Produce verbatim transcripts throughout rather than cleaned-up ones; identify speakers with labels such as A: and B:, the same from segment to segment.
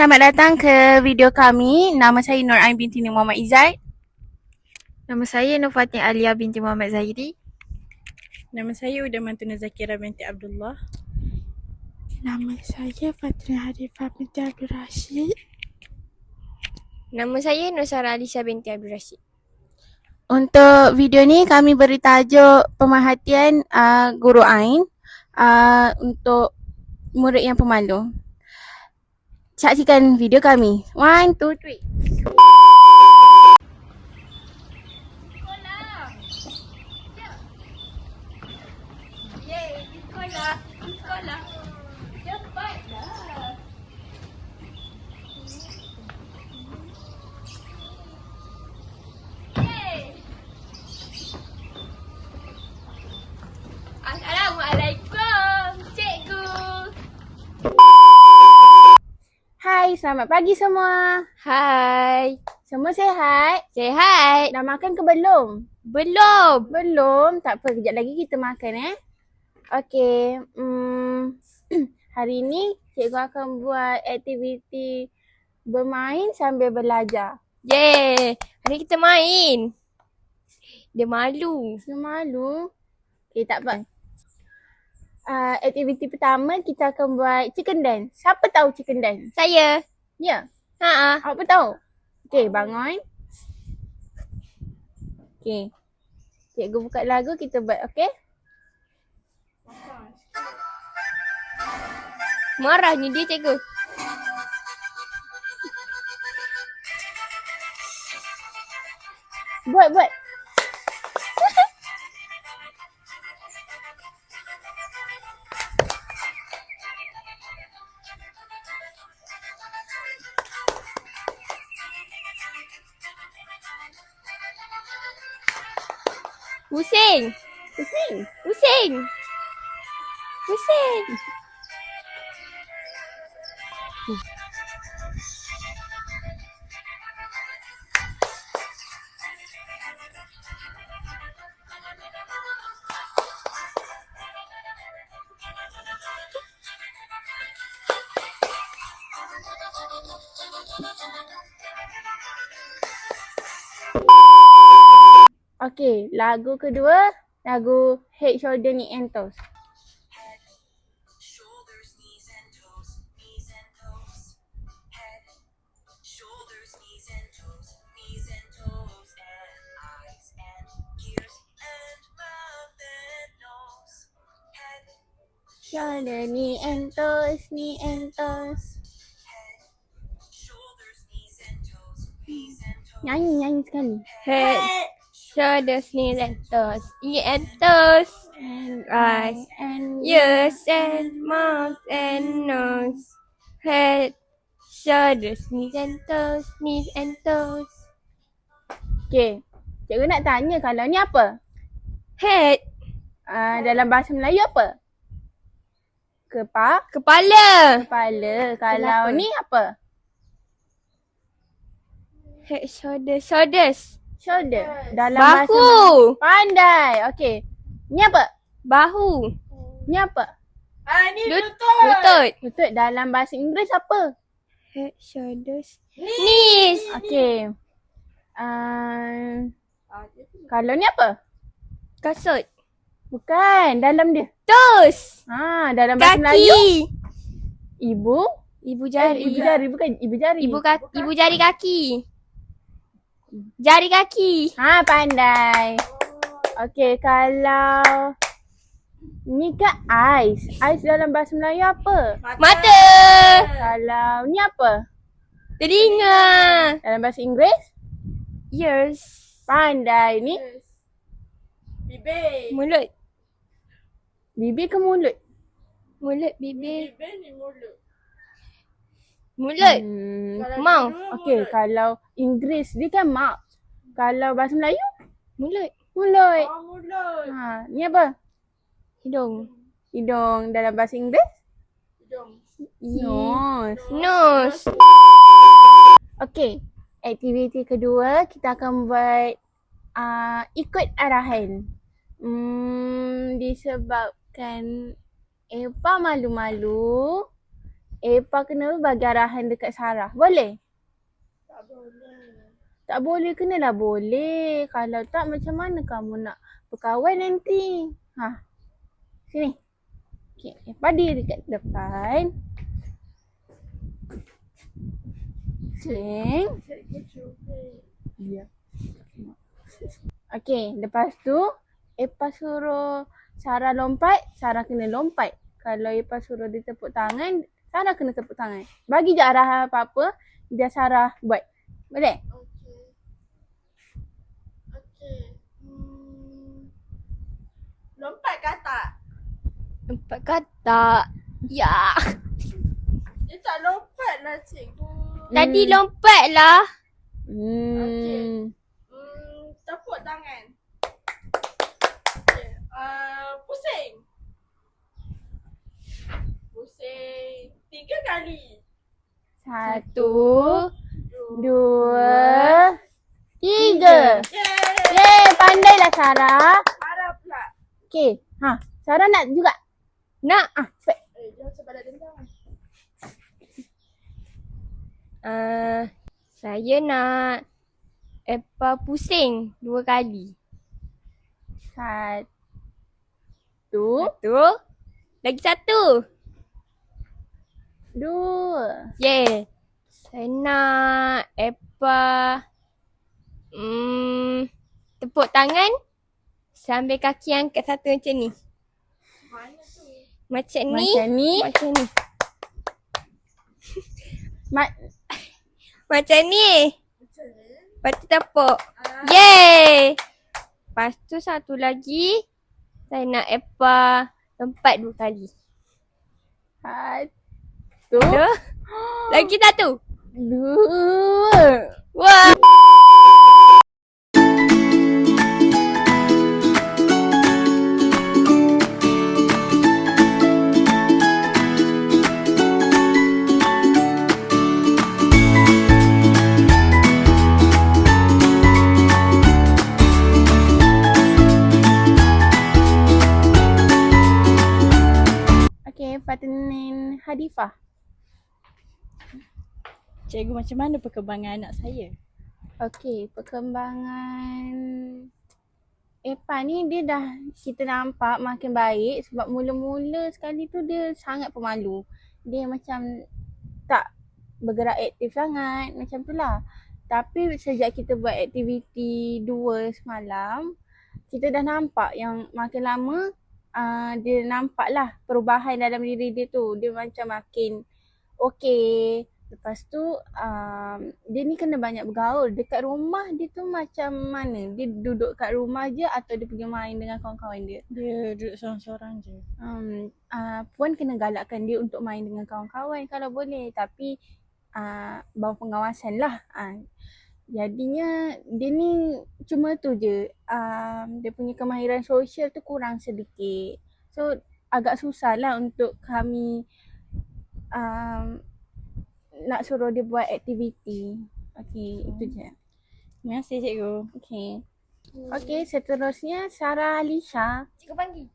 A: selamat datang ke video kami. Nama saya Nur Ain binti Nur Muhammad Izzat.
B: Nama saya Nur Fatin Alia binti Muhammad Zahiri.
C: Nama saya Udamantuna Zakira binti Abdullah.
D: Nama saya Fatrina Harifah binti Abdul Rashid.
E: Nama saya Nur Sarah Alisa binti Abdul Rashid.
A: Untuk video ni kami beri tajuk pemerhatian uh, guru Ain uh, untuk murid yang pemalu. Saksikan video kami. One, two, three.
E: Assalamualaikum, cikgu.
A: Hai, selamat pagi semua.
E: Hai.
A: Semua sihat?
E: Sihat?
A: Dah makan ke belum?
E: Belum.
A: Belum? Tak apa, kejap lagi kita makan eh. Okey, hmm, hari ni cikgu akan buat aktiviti bermain sambil belajar.
E: Yeay. Hari kita main. Dia malu.
A: Dia malu. Okey, tak apa. Uh, aktiviti pertama kita akan buat chicken dance. Siapa tahu chicken dance?
E: Saya.
A: Ya?
E: Ha.
A: Apa tahu? Okey, bangun. Okey. Cikgu buka lagu, kita buat, okey?
E: Marahnya dia, cikgu.
A: Buat, buat.
E: Pusing.
A: Pusing.
E: Pusing. Pusing.
A: Okey, lagu kedua, lagu Head, Shoulder, Knee and Toes.
F: Shoulders, knees and toes, knees and toes. Head, shoulders, knees and toes, knees and toes. And eyes and ears and mouth and nose. Head,
A: Shoulder, knee and toes, knee and toes.
F: head, shoulders, knees and toes, knees and toes.
A: Nyanyi, nyanyi sekali.
E: Head, shoulders, knees and toes. Ears and toes.
A: And
E: Eyes,
A: and
E: ears and mouth and nose. Head, shoulders, knees and toes, knees and toes.
A: Okey, cikgu nak tanya kalau ni apa?
E: Head,
A: Uh, dalam bahasa Melayu apa? Kepa,
E: kepala.
A: kepala. Kalau
E: Kenapa?
A: ni apa?
E: Head, shoulders, shoulders.
A: Shoulder. Dalam bahasa
E: Bahu.
A: Melayu. Pandai. Okey. Ni apa?
E: Bahu.
A: Ni apa?
C: Ah, ni
E: Lut-
C: lutut.
E: Lutut.
A: Lutut. Dalam bahasa Inggeris apa?
E: Head, shoulders, knees.
A: Okey. Uh, kalau ni apa?
E: Kasut.
A: Bukan. Dalam dia.
E: Toes.
A: Ha, dalam bahasa Melayu.
E: Kaki.
A: Ibu.
E: Ibu
A: Eh,
E: jari.
A: ibu jari. Bukan ibu jari.
E: Ibu kaki. Ibu jari kaki. Jari kaki.
A: Ha, pandai. Okey, kalau ni ke ais. Ais dalam bahasa Melayu apa?
E: Mata.
A: Kalau ni apa?
E: Telinga.
A: Dalam bahasa Inggeris?
E: Ears.
A: Pandai. Ni
C: Bibir.
E: Mulut.
A: bibir ke mulut?
E: Mulut, bibir.
C: Bibir ni mulut.
E: Mulut.
A: Hmm.
E: Mouth.
A: Okey, kalau Inggeris dia kan mouth. Kalau bahasa Melayu?
E: Mulut.
A: Mulut.
C: Oh, mulut.
A: Ha, ni apa?
E: Hidung.
A: Hidung. Dalam bahasa Inggeris?
C: Hidung.
A: Nose.
E: Nose.
A: Okey, aktiviti kedua kita akan buat uh, ikut arahan. Hmm, disebabkan Eva malu-malu, Epa kena bagi arahan dekat Sarah. Boleh?
D: Tak boleh.
A: Tak boleh, kenalah boleh. Kalau tak, macam mana kamu nak berkawan nanti? Ha. Sini. Okay, Epa diri dekat depan. Sing. Ya. Okay, lepas tu Epa suruh Sarah lompat, Sarah kena lompat. Kalau Epa suruh dia tepuk tangan, Sarah kena tepuk tangan. Bagi je arahan apa-apa, biar Sarah buat. Boleh?
D: Okey. Okey. Hmm. Lompat ke tak?
E: Empat kata. Ya.
D: Dia tak lompat lah cikgu.
E: Tadi lompat lah.
A: Hmm.
D: Okey. Hmm, tepuk tangan. Okey. Uh, pusing. Pusing. Tiga kali.
A: Satu, dua, tiga.
D: Yeay.
A: Yeay, pandailah Sarah.
D: Marah pula.
A: Okay, ha, Sarah nak juga.
E: Nak.
A: Ah, cepat.
D: Eh, jangan sebadak dendam.
E: Uh, saya nak Epa pusing dua kali.
A: Satu,
E: Satu. Lagi satu.
A: dua.
E: Yeah. Saya nak Epa hmm, tepuk tangan sambil kaki angkat satu macam ni.
D: Mana tu?
E: Macam ni.
A: Macam ni.
E: Macam ni.
A: Ma-
E: Macam ni.
D: Macam ni.
E: Lepas tu tepuk.
D: Ah.
E: Yeay. Lepas tu satu lagi. Saya nak Epa lompat dua kali.
A: Satu,
E: Dua. Lagi satu.
A: dua.
E: Wah.
A: Okay, Fatinin Hadifah.
C: Cikgu, macam mana perkembangan anak saya?
A: Okay, perkembangan Epa ni dia dah kita nampak makin baik sebab mula-mula sekali tu dia sangat pemalu. Dia macam tak bergerak aktif sangat macam tu lah. Tapi sejak kita buat aktiviti dua semalam, kita dah nampak yang makin lama uh, dia nampak lah perubahan dalam diri dia tu. Dia macam makin okey. Lepas tu um, dia ni kena banyak bergaul. Dekat rumah dia tu macam mana? Dia duduk kat rumah je atau dia pergi main dengan kawan-kawan dia?
C: Dia duduk seorang-seorang je.
A: Um, uh, Puan kena galakkan dia untuk main dengan kawan-kawan kalau boleh. Tapi uh, bawah pengawasan lah. Uh, jadinya dia ni cuma tu je. Um, dia punya kemahiran sosial tu kurang sedikit. So agak susah lah untuk kami um, nak suruh dia buat aktiviti. Okey, itu je.
C: Terima kasih cikgu.
A: Okey. Okey, seterusnya Sarah Alisha.
B: Cikgu panggil.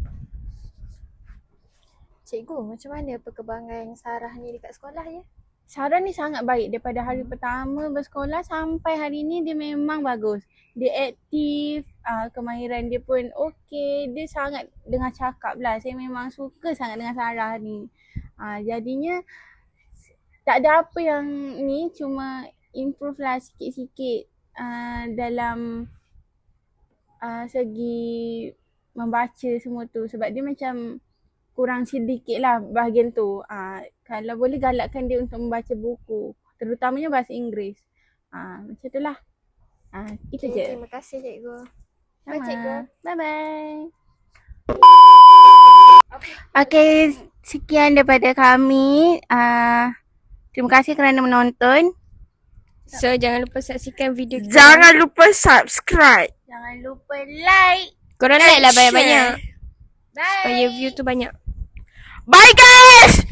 B: Cikgu, macam mana perkembangan Sarah ni dekat sekolah ya?
A: Sarah ni sangat baik daripada hari pertama bersekolah sampai hari ni dia memang bagus. Dia aktif, uh, kemahiran dia pun okey. Dia sangat dengar cakap lah. Saya memang suka sangat dengan Sarah ni. Uh, jadinya tak ada apa yang ni, cuma improve lah sikit-sikit uh, dalam uh, segi membaca semua tu. Sebab dia macam kurang sedikit lah bahagian tu. Uh, kalau boleh galakkan dia untuk membaca buku. Terutamanya bahasa Inggeris. Uh, macam tu lah. Uh, itu
B: Okay,
A: je.
B: terima kasih cikgu.
A: Sama.
B: Bye cikgu.
A: Bye-bye. Okay, sekian daripada kami. Uh, terima kasih kerana menonton.
E: So jangan lupa saksikan video kita.
D: Jangan lupa subscribe.
A: Jangan lupa like.
E: Korang like lah
D: share.
E: banyak-banyak.
A: Bye.
E: Supaya view tu banyak.
D: Bye guys!